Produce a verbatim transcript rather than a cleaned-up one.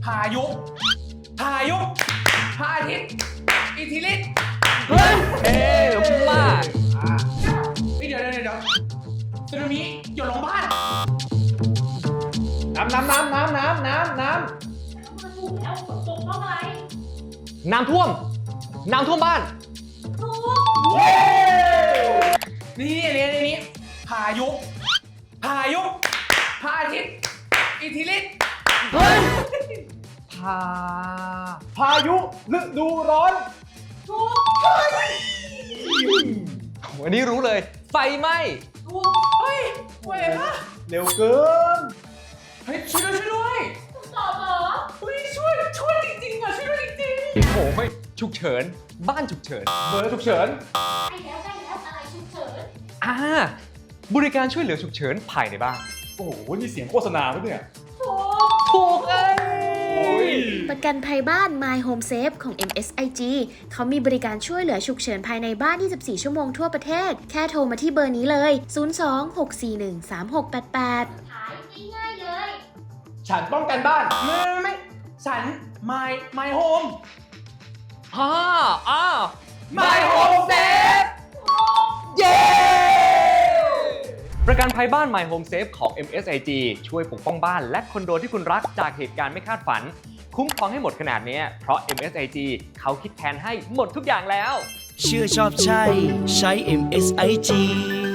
พายุพายุพาทิตย์อิทธิฤทธิ์เฮ้ยเท่มากเดี๋ยวเดี๋ยวเดี๋ยวสึนามิหยดลงบ้านน้ำน้ำน้ำน้ำน้ำน้ำน้มันถูกแล้วฝนตกเพราะอะไรน้ำท่วม น้ำท่วมบ้านถูกนี่อันนี้อันนี้พายุพายุพาทิตย์อิทธิฤทธิ์เฮ้ย พาำพายุฤดูร้อนถูกวันนี้รู้เลย ไฟไหม้ถูกเฮ้ยเว้ยนะเร็วเกินเฮ้ยช่วยด้วยช่วยด้วยถูกตอบเหรอเฮ้ยช่วยช่วยจริงๆอ่ะช่วยด้วยจริงโอ้โหไม่ฉุกเฉิน บ้านฉุกเฉินเบอร์ฉุกเฉินใกล้แล้วใกล้แล้วอะไรฉุกเฉินอ่า บริการช่วยเหลือฉุกเฉินภายในบ้านโอ้โหนี่เสียงโฆษณาปะเนี่ยถูกถูกเอ้ยประกันภัยบ้าน My Home Safe ของ เอ็ม เอส ไอ จี เขามีบริการช่วยเหลือฉุกเฉินภายในบ้าน ยี่สิบสี่ ชั่วโมงทั่วประเทศ แค่โทรมาที่เบอร์นี้เลย ศูนย์ สอง หก สี่ หนึ่ง สาม หก แปด แปดขายง่ายๆเลยฉันป้องกันบ้านๆไม่ไม่ไม่ฉัน my my home ฮ่าอ้าว my home safe เย้ ประกันภัยบ้าน My Home Safe ของ เอ็ม เอส ไอ จี ช่วยปกป้องบ้านและคอนโดที่คุณรักจากเหตุการณ์ไม่คาดฝัน คุ้มครองให้หมดขนาดนี้เพราะ เอ็ม เอส ไอ จี เขาคิดแทนให้หมดทุกอย่างแล้วเชื่อชอบใช่ ใช้ เอ็ม เอส ไอ จี